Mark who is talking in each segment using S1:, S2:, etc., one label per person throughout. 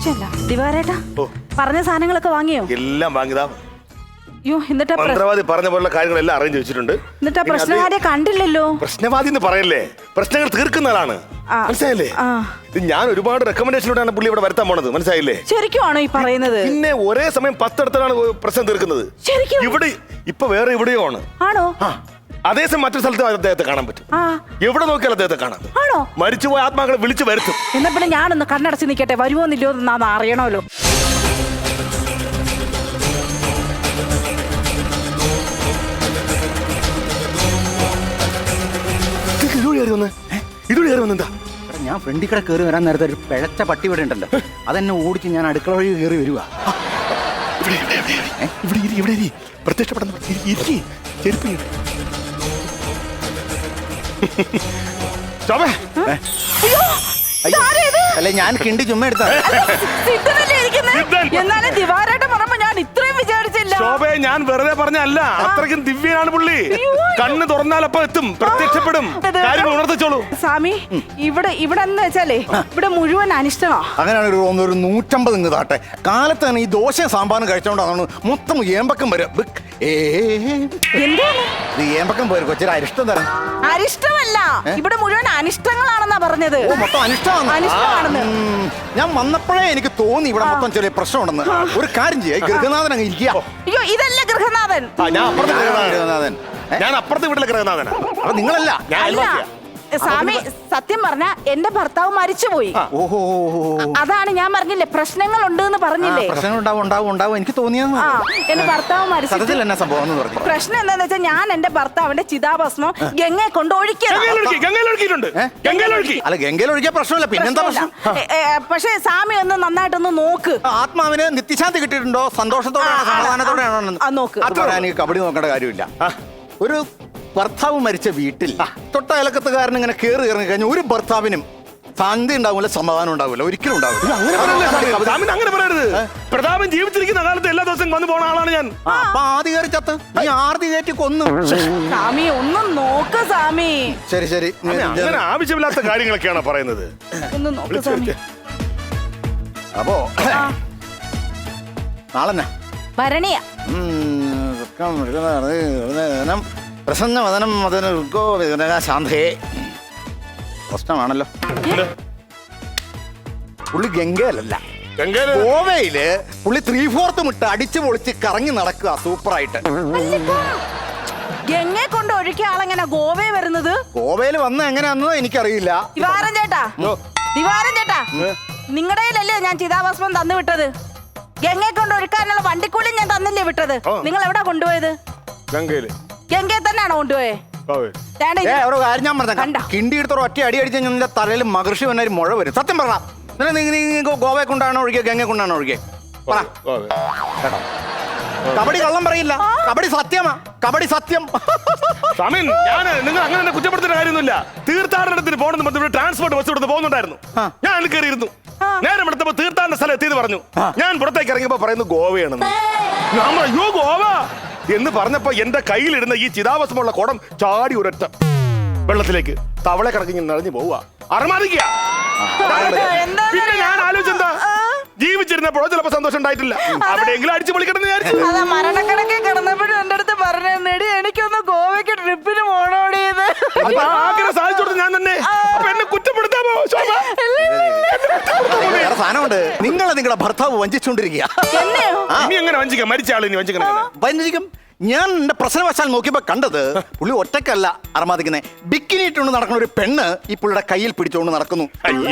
S1: സംശയമില്ല. ദിവാരേട്ടാ പറഞ്ഞ സാധനങ്ങളൊക്കെ വാങ്ങിയോ?
S2: എല്ലാം വാങ്ങിയതാ.
S1: അയ്യോ, എന്നിട്ട്
S2: മന്ത്രവാദി പറഞ്ഞ പോലുള്ള കാര്യങ്ങളെല്ലാം അറേഞ്ച് വെച്ചിട്ടുണ്ട്.
S1: എന്നിട്ട് പ്രശ്നവാദിയെ കണ്ടില്ലല്ലോ.
S2: പ്രശ്നവാദി എന്ന് പറയല്ലേ, പ്രശ്നങ്ങൾ തീർക്കുന്ന ആളാണ്. മനസ്സിലായില്ലേ? ഞാൻ ഒരുപാട് റെക്കമെൻഡേഷനിലൂടെയാണ് പുള്ളി ഇവിടെ വരുത്താൻ പോണത്. മനസ്സിലായില്ലേ?
S1: ശരിക്കുമാണോ ഈ പറയുന്നത്?
S2: പിന്നെ ഒരേ സമയം 10 ഇടത്താണ് പ്രശ്നം തീർക്കുന്നത്. ഇവിടെ ഇപ്പൊ വേറെ എവിടെയോ ആണ്.
S1: ആണോ?
S2: അതേസമയം മറ്റൊരു സ്ഥലത്ത് അദ്ദേഹത്തെ കാണാൻ പറ്റും. എവിടെ നോക്കിയാലും അദ്ദേഹത്തെ കാണാം. ആണോ? മരിച്ചുപോയ ആത്മാക്കളെ വിളിച്ചു വരുത്തും.
S1: എന്നാ പിന്നെ ഞാനൊന്ന് കണ്ണടച്ച് നിൽക്കട്ടെ, വരുമോന്നില്ലയോ എന്ന് അറിയണമല്ലോ.
S2: എന്താ
S3: ഞാൻ ഫ്രണ്ടിൽ കൂടെ കയറി വരാൻ നേരത്തെ ഒരു പിഴച്ച പട്ടി ഇവിടെ ഉണ്ടല്ലോ, അതെന്നെ ഓടിച്ച് ഞാൻ അടുക്കള വഴി കയറി വരുവാ.
S2: പ്രത്യക്ഷപ്പെടുന്ന
S3: അല്ലെ ഞാൻ കിണ്ടി ചുമ്മാ എടുത്താ.
S1: എന്നാലും ദിവാരേട്ടൻ പറയുമ്പോ ഞാൻ ഇത്രയും വിചാരിച്ചില്ല.
S2: ശോഭയെ ഞാൻ വെറുതെ പറഞ്ഞല്ല, അത്രയ്ക്കും ദിവ്യനാണ് പുള്ളി. കണ്ണ് തുറന്നാലപ്പോ എത്തും, പ്രത്യക്ഷപ്പെടും, കാര്യങ്ങൾ ഉണർത്തിച്ചോളൂ.
S1: സ്വാമി, ഇവിടെ എന്ന് വെച്ചാലേ ഇവിടെ മുഴുവൻ അനിഷ്ടമാ.
S3: അങ്ങനെയാണ് ഒരു 150 ഇങ്ങ് താട്ടെ. കാലത്ത് തന്നെ ഈ ദോശയും സാമ്പാറും കഴിച്ചോണ്ടാണ് മൊത്തം ഏമ്പക്കം വരും. ഏമ്പക്കം പോരും കൊച്ചിരി അരിഷ്ടം തരാം.
S1: അരിഷ്ടമല്ല, ഇവിടെ മുഴുവൻ അനിഷ്ടങ്ങളാണെന്നാ പറഞ്ഞത്.
S3: മൊത്തം അനിഷ്ടമാണെന്ന് ഞാൻ വന്നപ്പോഴേ എനിക്ക് തോന്നി ഇവിടെ മൊത്തം ചെറിയ പ്രശ്നമുണ്ടെന്ന്. ഒരു കാര്യം ചെയ്യാം, ഗൃഹനാഥൻ അങ്ങ് ഇരിക്കുക.
S1: അയ്യോ, ഇതല്ല ഗൃഹനാഥൻ.
S2: ഞാൻ അപ്പുറത്തെ വീട്ടിലെ ഗൃഹനാഥനാ.
S3: അപ്പൊ നിങ്ങളല്ല?
S1: സ്വാമി, സത്യം പറഞ്ഞ എന്റെ ഭർത്താവ് മരിച്ചുപോയി.
S3: ഓഹോ,
S1: അതാണ് ഞാൻ പറഞ്ഞില്ലേ പ്രശ്നങ്ങൾ ഉണ്ട് എന്ന് പറഞ്ഞില്ലേ.
S3: പ്രശ്നങ്ങൾ ഉണ്ടാവും എനിക്ക് തോന്നിയെന്ന്.
S1: എന്റെ ഭർത്താവ് മരിച്ചു. പ്രശ്നം എന്താന്ന് വെച്ചാൽ ഞാൻ എന്റെ ഭർത്താവിന്റെ ചിതാഭസ്മം ഗംഗയെ കൊണ്ട് ഒഴിക്കണം.
S3: അല്ല, ഗംഗയിൽ ഒഴിക്കാൻ പ്രശ്നമില്ല, പിന്നെന്താ പ്രശ്നം?
S1: പക്ഷെ സ്വാമി ഒന്ന് നന്നായിട്ടൊന്ന് നോക്ക്.
S3: ആത്മാവിന് നിത്യശാന്തി കിട്ടിയിട്ടുണ്ടോ? സന്തോഷത്തോടെയാണോ സമാധാനത്തോടെയാണോ?
S1: നോക്ക്.
S3: അത്ര എനിക്ക് കബഡി നോക്കേണ്ട കാര്യമില്ല. ഒരു ഭർത്താവ് മരിച്ച വീട്ടിൽ തൊട്ട അയലക്കത്തുകാരൻ ഇങ്ങനെ കയറി ഇറങ്ങി കഴിഞ്ഞാൽ ഒരു ഭർത്താവിനും ശാന്തി ഉണ്ടാവില്ല, സമാധാനം ഉണ്ടാവില്ല, ഒരിക്കലും ഉണ്ടാവില്ല.
S2: അങ്ങനെ പറയരുത്. പ്രതാപൻ ജീവിച്ചിരിക്കുന്ന കാലത്ത് എല്ലാ ദിവസവും വന്നു പോണ ആളാണ് ഞാൻ.
S3: അപ്പൊ ആദ്യ കയറി ചത്ത് നീ ആർത്തി കയറ്റി കൊന്നു.
S1: സ്വാമി ഒന്ന് നോക്ക് സ്വാമി.
S3: ശരി
S2: അങ്ങനെ ആവശ്യമില്ലാത്ത കാര്യങ്ങളൊക്കെയാണ് പറയുന്നത്.
S1: ഒന്ന് നോക്ക് സ്വാമി.
S3: അപ്പോ നാളെന്നാ
S1: ഭരണിയ
S3: പ്രസന്നവദനം ശാന്തേ. പ്രശ്നമാണല്ലോ. പുള്ളി ഗംഗയിലല്ല, ഗോവയില് പുള്ളി 3/4 ഇട്ട് അടിച്ചു പൊളിച്ച് കറങ്ങി നടക്കുക സൂപ്പറായിട്ട്.
S1: ഗംഗയെ കൊണ്ട് ഒഴുക്കിയ ആളെങ്ങനെ ഗോവയിൽ വരുന്നത്?
S3: ഗോവയിൽ വന്ന എങ്ങനെയാണെന്നോ എനിക്കറിയില്ല.
S1: ദിവാരൻ ചേട്ടാ, നിങ്ങളുടെ കയ്യിലല്ലേ ഞാൻ ചിതാഭസ്മം തന്നു വിട്ടത്? ഗംഗയെ കൊണ്ട് ഒഴുക്കാനുള്ള വണ്ടിക്കൂലി ഞാൻ തന്നില്ലേ വിട്ടത്? നിങ്ങൾ എവിടാ കൊണ്ടുപോയത്? ഗംഗയെ തന്നെയാണോ കൊണ്ടുപോയത്?
S3: കാര്യം ഞാൻ പറഞ്ഞ കിണ്ടി എടുത്തോ ഒറ്റ അടി അടിച്ച നിന്റെ തലയിൽ മഹർഷി വന്ന മുഴ വരും. സത്യം പറഞ്ഞ ഗോവയെ കൊണ്ടാണോ ഒഴുകിയ ഗംഗയെ കൊണ്ടാണോ ഒഴുകിയ? കബഡി കള്ളം പറയില്ല, കബഡി സത്യമാ, കബഡി സത്യം.
S2: നിങ്ങൾ അങ്ങനെ കുറ്റപ്പെടുത്തുന്ന കാര്യമൊന്നുമില്ല. തീർത്ഥാടനത്തിന് പോകണമെന്ന് ട്രാൻസ്പോർട്ട് ബസ് കൊടുത്ത് പോകുന്നുണ്ടായിരുന്നു. ഞാൻ കയറിയിരുന്നു. നേരം എടുത്തപ്പോ തീർത്ഥാടന സ്ഥലം എത്തിയെന്ന് പറഞ്ഞു. ഞാൻ പുറത്തേക്ക് ഇറങ്ങിയപ്പോ പറയുന്നു ഗോവയാണെന്ന്. അയ്യോ ഗോവ എന്ന് പറഞ്ഞപ്പോ എന്റെ കയ്യിലിരുന്ന ഈ ചിതാഭസ്മുള്ള കുടം ചാടി ഒരൊറ്റ വെള്ളത്തിലേക്ക് തവളെ കിടക്കി നിറഞ്ഞു പോവുക. അറമാദിക്കുക. പിന്നെ ഞാൻ ആലോചിച്ചെന്താ, ജീവിച്ചിരുന്നപ്പോഴോ ചിലപ്പോ സന്തോഷം ഉണ്ടായിട്ടില്ല, അവിടെയെങ്കിലും അടിച്ചു പൊളിക്കണമെന്ന് വിചാരിച്ചു.
S1: മരണക്കണക്കെ കിടന്നപ്പോഴും എന്റെ അടുത്ത് പറഞ്ഞെടി എനിക്കൊന്ന് ഗോവയ്ക്ക് ട്രിപ്പിന് പോണോടിയത്.
S2: ആഗ്രഹം സാധിച്ചു കൊടുത്തു ഞാൻ തന്നെ. അപ്പൊ എന്നെ കുറ്റപ്പെടുത്താമോ?
S3: സാധനമുണ്ട്. നിങ്ങളുടെ ഭർത്താവ് വഞ്ചിച്ചോണ്ടിരിക്കുക.
S2: ഇനി എങ്ങനെ വഞ്ചിക്കാം? മരിച്ച ആളിനി
S3: വഞ്ചിക്കും. ഞാൻ എന്റെ പ്രശ്നവശാൽ നോക്കിയപ്പോ കണ്ടത് പുള്ളി ഒറ്റക്കല്ല അറമാദിക്കുന്നത്. ബിക്കിനി ഇട്ടുകൊണ്ട് നടക്കുന്ന ഒരു പെണ്ണ് ഈ പുള്ളിയുടെ കയ്യിൽ പിടിച്ചുകൊണ്ട് നടക്കുന്നു.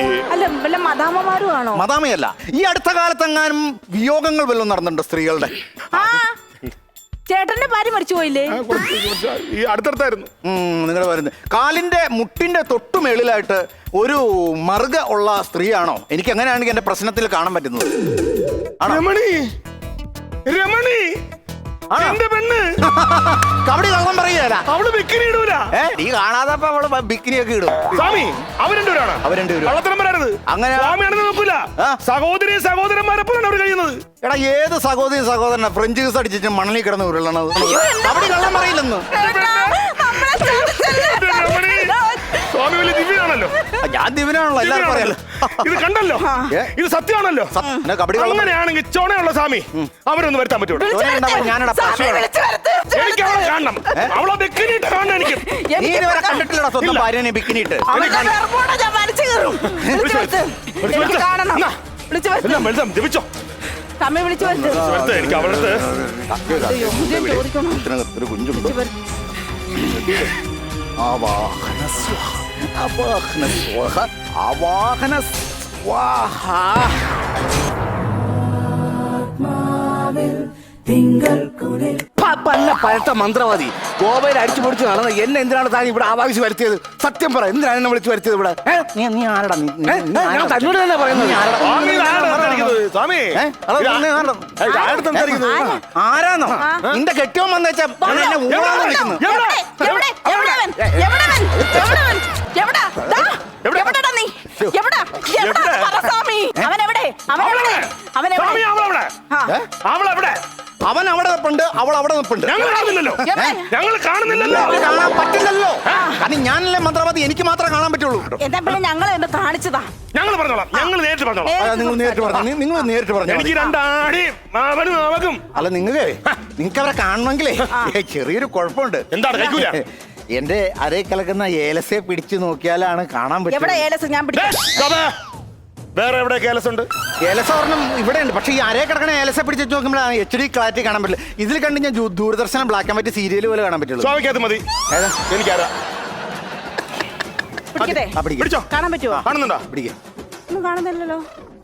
S3: മദാമയല്ല, ഈ അടുത്ത കാലത്തെങ്ങാനും വിയോഗങ്ങൾ വല്ലതും നടന്നിട്ടുണ്ട് സ്ത്രീകളുടെ?
S1: ചേട്ടന്റെ ഭാര്യ മരിച്ചു പോയില്ലേ?
S2: അടുത്തടുത്തായിരുന്നു.
S3: നിങ്ങൾ വരുന്നത് കാലിന്റെ മുട്ടിന്റെ തൊട്ടുമേളിലായിട്ട് ഒരു മറുക ഉള്ള സ്ത്രീയാണോ? എനിക്ക് എങ്ങനെയാണെങ്കിൽ എന്റെ പ്രശ്നത്തിൽ കാണാൻ പറ്റുന്നത്.
S2: രമണി
S3: കബഡി കള്ളം പറയുകയല്ല,
S2: അവള് ബിക്കിനി ഇടൂല.
S3: നീ കാണാതപ്പോ അവള് ബിക്കിനിയൊക്കെ ഇടും.
S2: സ്വാമി അങ്ങനെ നോക്കൂല. സഹോദരി സഹോദരന്മാരെപ്പോഴാണ് അവർ കഴിയുന്നത്.
S3: എടാ ഏത് സഹോദരി സഹോദരനാ ഫ്രഞ്ച് ജ്യൂസ് അടിച്ചിട്ട് മണലിൽ കിടന്ന് ഉരുളണത്? കബഡി കള്ളം പറയില്ലെന്ന്.
S2: സ്വാമി വലിയ ദിവ്യനാണല്ലോ.
S3: ഞാൻ ദിവ്യനെ ജിബിനാണല്ലോ എല്ലാവർക്കും അറിയാലോ.
S2: ഇത് കണ്ടല്ലോ,
S3: ഏ?
S2: ഇത് സത്യമാണല്ലോ.
S3: എന്നാ കബഡി കളി
S2: അങ്ങനെയാണെങ്കിൽ ചോണയുള്ള സ്വാമി അവരൊന്ന് വരുത്താൻ പറ്റുമോ?
S3: ഞാനടാ പശുവാണ്.
S2: എനിക്ക് അവളെ കാണണം, അവളെ ബെക്കിനിട്ട് കാണണം എനിക്ക്.
S3: നീ ഇതുവരെ കണ്ടിട്ടില്ലടാ സ്വന്തം
S2: ഇല്ല.
S3: ഭാര്യനെ ബിക്കിനിട്ട്.
S1: ഞാൻ വലിച്ചു കയറും. എനിക്ക് കാണണം. വിളിച്ചു വരുത്ത്.
S2: എല്ലാം വെളുതാം ജപിച്ചോ.
S1: സമയം വിളിച്ചു വരുത്ത്.
S2: വെളുത്ത എനിക്ക് അവളുടെ
S1: അയ്യോ, ഞാൻ ചോദിക്കണം.
S3: ഇതിനകത്തൊരു കുഞ്ചുണ്ട്.
S1: വിളിച്ചു വരുത്ത്.
S3: ആവാഹന സ്വാഹ, ആവാഹന സ്വാഹ, ആവാഹന സ്വാഹ.
S4: പല്ല പഴത്ത മന്ത്രവാദി ഗോവയിൽ അടിച്ചു പൊടിച്ച് നടന്ന എന്നെ എന്തിനാണ് താൻ ഇവിടെ ആവാഹിച്ച് വരുത്തിയത്? സത്യം പറ, എന്തിനാണ് എന്നെ വിളിച്ചു വരുത്തിയത് ഇവിടെ?
S3: നീ ആരടാ?
S4: ഞാൻ തന്നോട് തന്നെ പറയുന്നത്.
S2: സ്വാമി ഇതാരാ സംസാരിക്കുന്നത്? സ്വാമി
S3: ആരാന്നോ? നിന്റെ കെട്ടിയോൻ വന്നേച്ചാ എന്നെ ഊഴാന്ന് വിളിക്കുന്നു.
S1: എവിടെ? എവിടെവൻ? എവിടെവൻ? എവിടെവൻ? എവിടാ? ദാ, എവിടെടാ നീ? എവിടാ? എവിടാ? പറ സ്വാമി. അവനെവിടെ? അവനെവിടെ? അവനെവിടെ?
S2: സ്വാമി അവളെവിടെ?
S1: ആ.
S2: അവളെവിടെ?
S3: അവൻ അവിടെ നിപ്പുണ്ട്, അവൾ അവിടെ നിപ്പുണ്ട്.
S2: ഞങ്ങൾ കാണുന്നില്ലല്ലോ,
S1: എവിടെ?
S2: ഞങ്ങൾ കാണുന്നില്ലല്ലോ.
S3: അവന് കാണാൻ പറ്റില്ലല്ലോ. കാരണം ഞാനല്ലേ മന്ത്രവാദി, എനിക്ക് മാത്രമേ കാണാൻ പറ്റുള്ളൂ.
S1: എന്താ പിന്നെ ഞങ്ങൾ എന്ന് കാണിച്ചതാ?
S2: ഞങ്ങൾ പറഞ്ഞോളാം, ഞങ്ങൾ നേരിട്ട് പറഞ്ഞോളാം.
S3: നിങ്ങൾ നേരിട്ട് പറഞ്ഞു, നിങ്ങൾ നേരിട്ട് പറഞ്ഞു.
S2: എനിക്ക് രണ്ടാടിയും അവനും അവക്കും.
S3: അല്ല നിങ്ങൾക്ക് അവരെ കാണണമെങ്കിലേ ചെറിയൊരു കുഴപ്പമുണ്ട്.
S2: എന്താണ് കഴിക്കൂല?
S3: എന്റെ അരയിൽ കലക്കുന്ന ഏലസെ പിടിച്ചു നോക്കിയാലാണ് കാണാൻ
S1: എവിടെ
S3: പറ്റും.
S1: ഏലസ്? ഞാൻ പിടിക്കാം.
S2: വേറെ എവിടെ കേലസുണ്ട്?
S3: ഏലസ ഒരെണ്ണം ഇവിടെ ഉണ്ട്, പക്ഷേ ഈ അരയെ കിടക്കണ ഏലസെ പിടിച്ച് നോക്കുമ്പോഴാണ് HD ക്ലാരിറ്റി കാണാൻ പറ്റില്ല. ഇതിൽ കണ്ട് ഞാൻ ദൂരദർശനം ബ്ലാക്ക് ആൻഡ് വൈറ്റ് സീരിയൽ പോലെ കാണാൻ പറ്റുള്ളൂ.
S2: സ്വാമിക്കകത്ത് മതി.
S3: ഏതാ?
S2: എനിക്കാരാ
S1: പിടിക്കട്ടെ?
S3: ആ, പിടിക്ക്.
S2: പിടിച്ചോ.
S1: കാണാൻ പറ്റുമോ?
S2: കാണുന്നുണ്ടോ?
S3: പിടിക്ക്.
S1: ഒന്നും കാണുന്നില്ലല്ലോ.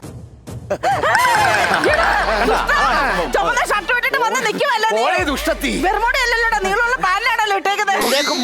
S1: ചുമന്ന ഷർട്ട് വിട്ടിട്ട് വന്ന് നിൽക്കുമല്ലോ നീ.
S4: ഓളെ ദുഷ്ടത്തി.
S1: ബെർമുഡ അല്ലല്ലോടാ, നീളമുള്ള പാന്റാണല്ലോ ഇട്ടേക്കുന്നത്.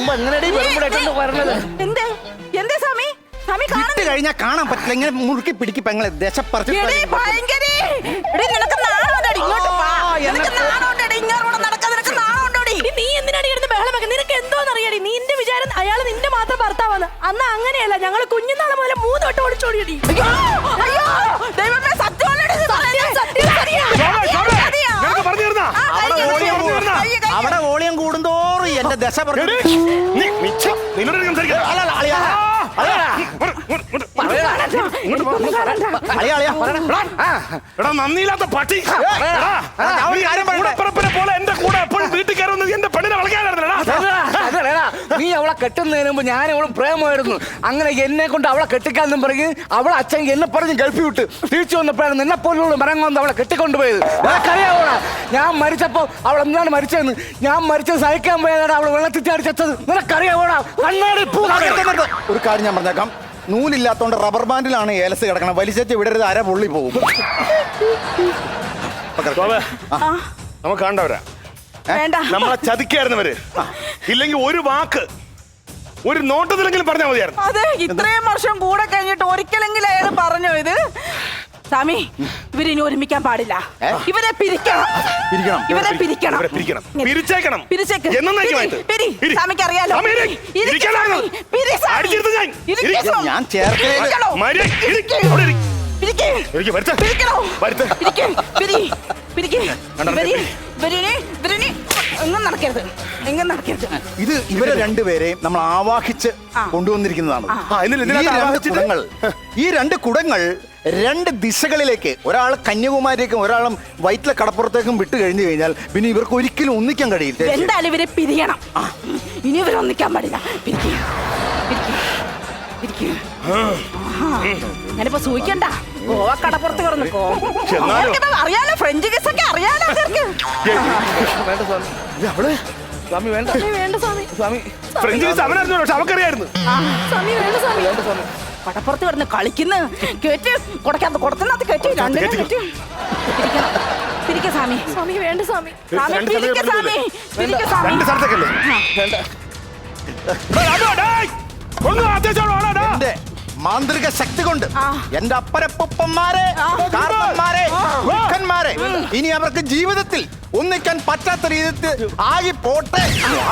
S1: എന്തേ എന്തേ സ്വാമി? സ്വാമി
S3: ഇട്ട്
S1: കാണുന്നില്ല.
S3: കഴിഞ്ഞാൽ കാണാൻ പറ്റില്ല. ഇങ്ങനെ മുറുക്കി പിടിക്ക് പെങ്ങളെ ദശപ്പറച്ച്
S1: എടീ ഭയങ്കരി. എടീ നിനക്ക് നാണമുണ്ടോടി? ഇങ്ങോട്ട് വാ. നിനക്ക് നാണമുണ്ടോടി? ഇങ്ങോട്ട് നടക്കാൻ നിനക്ക് നാണമുണ്ടോടി?
S5: നീ എന്തിനാടി ഇരുന്ന് ബഹളം വെക്കുന്നത്? നിനക്ക് എന്തോന്നറിയാടി? നിന്റെ വിചാരം അയാൾ നിന്റെ മാത്രം ഭർത്താവാണ്. അന്ന് അങ്ങനെയല്ല, ഞങ്ങൾ കുഞ്ഞുനാളെ മുതൽ 3 വട്ടം ഒളിച്ചോടിയടി.
S1: അയ്യോ അയ്യോ ദൈവമേ, സത്യമല്ലേ ഇത് പറയുന്നത്?
S5: സത്യം.
S2: നിനക്ക് പറഞ്ഞു തരുന്നാ?
S3: അവിടെ വോളിയം കൂടുന്തോറും എന്റെ ദശ പറഞ്ഞു.
S2: നിന്നോട് സംസാരിക്കാം. എടാ നന്ദിയില്ലാത്ത പട്ടി. കൂടപ്പിറപ്പിനെ പോലെ എന്റെ കൂടെ എപ്പോഴും വീട്ടിൽ കയറുന്നത് എന്റെ പെണ്ണിനെ വളയ്ക്കാനായിരുന്നടാ.
S4: നീ അവളെ കെട്ടുന്നതിന് മുമ്പ് ഞാൻ അവളും പ്രേമമായിരുന്നു. അങ്ങനെ എന്നെ കൊണ്ട് അവളെ കെട്ടിക്കാന്നും പറഞ്ഞ് അവളെ അച്ഛൻ എന്നെ പറഞ്ഞ് ഗൾഫിൽ വിട്ട് തിരിച്ചു വന്നപ്പോഴാണ് നിന്നെ പോലുള്ള മരം കൊണ്ട് അവളെ കെട്ടിക്കൊണ്ടുപോയത്. നിനക്കറിയാവോടാ ഞാൻ മരിച്ചപ്പോ അവൾ എന്താണ് മരിച്ചതെന്ന്? ഞാൻ മരിച്ചത് സഹിക്കാൻ പോയതാണ് അവൾ വെള്ളത്തിൽ ചാടി ചത്തത്. നിനക്കറിയാവോടാ? കണ്ണാടി
S3: ഒരു കാര്യം ഞാൻ പറഞ്ഞേക്കാം, നൂലില്ലാത്തോണ്ട് റബ്ബർ ബാൻഡിലാണ് ഏലസ് കിടക്കണം. വലിച്ചു വിടരുത്, അര പൊള്ളി പോകും.
S2: നമുക്ക് കണ്ടവരാ
S1: വേണ്ട.
S2: നമ്മളെ ചതിക്കായിരുന്നവര്. ഇല്ലെങ്കിൽ ഒരു വാക്ക്, ഒരു നോട്ടത്തിലെങ്കിലും പറഞ്ഞാൽ മതിയായിരുന്നു.
S1: അതെ, ഇത്രയും വർഷം കൂടെ കഴിഞ്ഞിട്ട് ഒരിക്കലെങ്കിലും അയാൾ പറഞ്ഞോ ഇത്? സ്വാമി, ഇവരിനി ഒരുമിക്കാൻ പാടില്ല. ഇവരെ പിരിക്കണം. ഇവരെ പിരിക്കണം.
S2: പിരിച്ചേക്കണം.
S1: പിരിച്ചേക്ക്.
S2: എന്നേക്കുമായിട്ട്.
S1: പിരി. സ്വാമിക്ക് അറിയാലോ.
S2: സ്വാമി, ഇരി.
S1: ഇരിക്ക്
S2: ഇരിക്കാനാണ്.
S1: സ്വാമി. പിരി സ്വാമി.
S2: അടിച്ചിരുത്ത് ഞാൻ.
S1: ഇരിക്ക്
S2: ഇരി.
S1: സ്വാമി.
S3: ഞാൻ ചേർക്കലേ
S1: ഇരിക്കണോ?
S2: മര്യാദ ഇരിക്ക്.
S1: ഇരിക്ക്.
S2: അവിടെ ഇരിക്ക്.
S1: പിരിക്ക്.
S2: ഇരിക്ക്, വരുത്ത്.
S1: പിരിക്കണോ?
S2: വരുത്ത്.
S1: ഇരിക്ക്. പിരി. പിരിക്ക്.
S2: കണ്ടോ,
S1: ഇവരിനി എങ്ങും നടക്കരുത്. എങ്ങും നടക്കരുത്.
S3: ഇത് ഇവരെ രണ്ടുപേരെയും നമ്മൾ ആവാഹിച്ച് കൊണ്ടുവന്നിരിക്കുന്നതാണ്. ഈ രണ്ട് കുടങ്ങൾ 2 ദിശകളിലേക്ക്, ഒരാൾ കന്യാകുമാരിയേക്കും ഒരാളും വയറ്റിലെ കടപ്പുറത്തേക്കും വിട്ടു കഴിഞ്ഞു കഴിഞ്ഞാൽ പിന്നെ ഇവർക്ക് ഒരിക്കലും ഒന്നിക്കാൻ കഴിയില്ല.
S1: എന്തായാലും ഇവരെ പിരിയണം. ഇനി ഇവരെ ഒന്നിക്കാൻ പാടില്ല. പിരിക്കുക. ഞാനിപ്പോ സൂഹിക്കണ്ട. ഗോവ കടപ്പുറത്ത് കിടന്നിക്കോ. അറിയാലോ, ഫ്രഞ്ച് കിസ്സൊക്കെ അറിയാലോ.
S4: സ്വാമി വേണ്ട.
S5: വേണ്ട സ്വാമി.
S4: സ്വാമി
S2: ഫ്രഞ്ച് കിസ് അവനായിരുന്നു, പക്ഷെ അവക്കറിയായിരുന്നു.
S5: സ്വാമി വേണ്ട സ്വാമി.
S1: കടപ്പുറത്ത് കിടന്ന് കളിക്കുന്ന കേറ്റ് കൊടുത്തിനകത്ത് കേറ്റി രണ്ടിനും കേറ്റി പിരിക്ക സ്വാമി.
S5: സ്വാമി വേണ്ട സ്വാമി.
S1: സ്വാമി പിരിക്ക സ്വാമി. പിരിക്ക സ്വാമി.
S2: രണ്ട് സ്ഥലത്തേക്കല്ലേ?
S3: എന്റെ മാന്ത്രിക ശക്തി കൊണ്ട് എന്റെ അപ്പരപ്പന്മാരെ, കാരണന്മാരെ, ദുഃഖന്മാരെ ഇനി അവർക്ക് ജീവിതത്തിൽ ഒന്നിക്കാൻ പറ്റാത്ത രീതിയിൽ ആയി പോട്ടെ.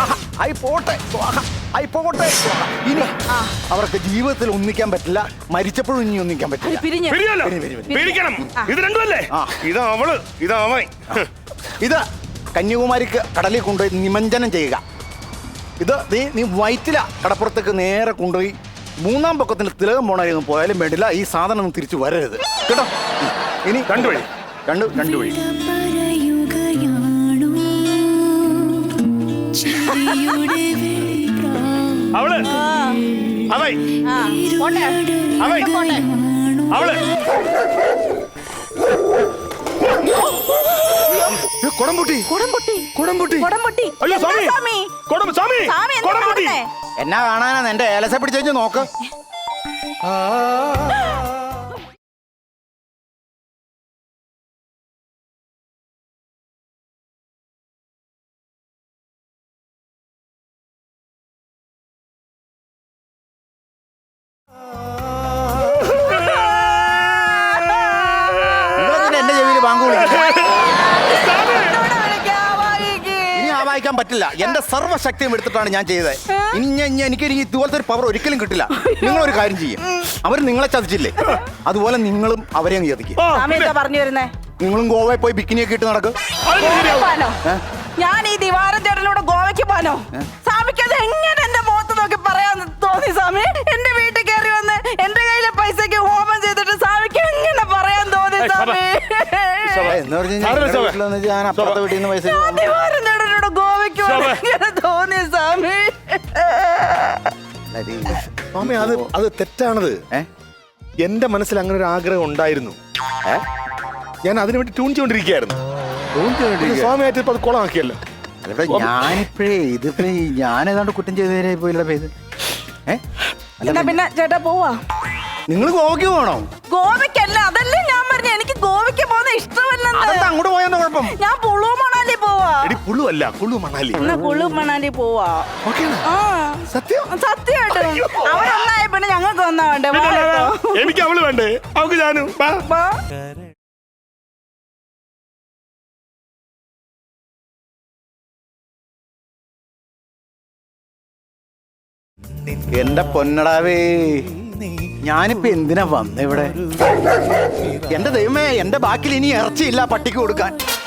S3: ഇനി അവർക്ക് ജീവിതത്തിൽ ഒന്നിക്കാൻ പറ്റില്ല. മരിച്ചപ്പോഴും ഇനി ഒന്നിക്കാൻ പറ്റില്ല.
S2: പിരിക്കണം. ഇത് രണ്ടുമല്ലേ? ഇത് അവള്, ഇത് അവൻ.
S3: ഇത് കന്യാകുമാരിക്ക് കടലിൽ കൊണ്ടുപോയി നിമഞ്ജനം ചെയ്യുക. ഇത് നീ വയറ്റില കടപ്പുറത്തേക്ക് നേരെ കൊണ്ടുപോയി മൂന്നാം പൊക്കത്തിന് തിലകം പോണായിരുന്നു പോയാലും വേണ്ടില്ല ഈ സാധനം ഒന്നും തിരിച്ചു വരരുത് കേട്ടോ. ഇനി
S2: രണ്ടു വഴി.
S3: രണ്ട് വഴി.
S2: അവള് അവൈ
S1: പോട്ടെ
S2: അവൈ
S1: പോട്ടെ.
S2: അവള് കൊടംപൊട്ടി
S1: കുടംപൊട്ടി
S2: കൊടംപൊട്ടി
S1: കുടംപൊട്ടി.
S2: അയ്യോ
S1: എന്താ
S2: സ്വാമി
S1: സ്വാമി?
S2: സ്വാമി
S1: സ്വാമി എന്താ
S2: കൊടംപൊട്ടി
S1: കാണുന്നേ?
S3: എന്നാ കാണാനാ എന്റെ ഏലസ പിടിച്ചു നോക്ക്. നിങ്ങളെന്തിനാ എന്റെ ചെവിയിൽ ബാങ്ക് വിളിക്കുന്നത്?
S1: എന്നോട് വിളിക്കാവായിക്ക്.
S3: ഇനി ആ വായിക്കാൻ പറ്റില്ല. എന്റെ സർവ്വശക്തിയും എടുത്തിട്ടാണ് ഞാൻ ചെയ്തത്. എനിക്ക് ഇതുപോലത്തെ ഒരു പവർ ഒരിക്കലും കിട്ടില്ല. നിങ്ങളൊരു കാര്യം ചെയ്യും, അവർ നിങ്ങളെ ചതിച്ചില്ലേ, അതുപോലെ നിങ്ങളും അവരെ അങ്ങ് ചതിക്കും.
S1: സ്വാമി എന്താ പറഞ്ഞു വരുന്നേ?
S3: നിങ്ങളും ഗോവയിൽ പോയി ബിക്കിനിയൊക്കെ ഇട്ട് നടക്കും.
S1: പോവാനോ? ഞാൻ ഈ ദിവാരം ചേട്ടനോട് ഗോവയ്ക്ക് പോവാനോ? സ്വാമിക്ക് അത് എങ്ങനെ എന്റെ മുഖത്ത് നോക്കി പറയാൻ തോന്നി സ്വാമി? എന്റെ വീട്ടിൽ കയറി വന്ന് എന്റെ കയ്യിലെ പൈസക്ക് ഹോമം ചെയ്തിട്ട് സ്വാമിക്ക് എങ്ങനെ പറയാൻ തോന്നി സ്വാമി?
S3: എന്ന് പറഞ്ഞാൽ ഞാൻ അപ്പുറത്തെ വീട്ടിൽ നിന്ന് പൈസ
S1: ഞാൻ ദിവാരം ചേട്ടനോട് ഗോവയ്ക്ക് പോവാൻ എങ്ങനെ തോന്നി സ്വാമി?
S2: സ്വാമി അത് തെറ്റാണത്. എന്റെ മനസ്സിൽ അങ്ങനെ ഒരു ആഗ്രഹം ഉണ്ടായിരുന്നു. ഞാൻ അതിനു വേണ്ടി ട്യൂൺ ചെയ്തോണ്ടിരിക്കുകയായിരുന്നു. സ്വാമിയായിട്ട് ഇപ്പൊ അത് കുളമാക്കിയല്ലോ.
S3: ഞാനിപ്പോഴേ ഞാനേതാണ്ട് കുറ്റം ചെയ്തേരെ പോയില്ല പേര്.
S1: എന്നാ പിന്നെ ചേട്ടാ പോവാ.
S3: നിങ്ങൾ ഗോവയ്ക്ക് പോകണോ?
S1: ഗോവയ്ക്കല്ല, അതല്ലേ ഞാൻ പറഞ്ഞു. എനിക്ക് ഗോവയ്ക്ക് പോകുന്ന ഇഷ്ടമല്ലെന്ന്.
S3: അതെന്താ അങ്ങോട്ട് പോയെന്ന കുഴപ്പം?
S1: ഞാൻ കുളു മണാലി പോവാ.
S2: എടി പുളു അല്ല, കുളു മണാലി.
S1: എന്നാ കുളു മണാലി പോവാ. ആ സത്യമായിട്ടും അവരൊന്നായ പിന്നെ ഞങ്ങൾക്ക് ഒന്നാ വേണ്ടേ? വാ കേട്ടോ.
S2: എനിക്ക് അവള് വേണ്ടേ? അവക്ക് ഞാനും വാ.
S1: വാ.
S3: എന്റെ പൊന്നടാവേ, ഞാനിപ്പോ എന്തിനാ വന്ന ഇവിടെ? എന്റെ ദൈവമേ, എന്റെ ബാക്കിൽ ഇനി ഇറച്ചിയില്ല പട്ടിക്ക് കൊടുക്കാൻ.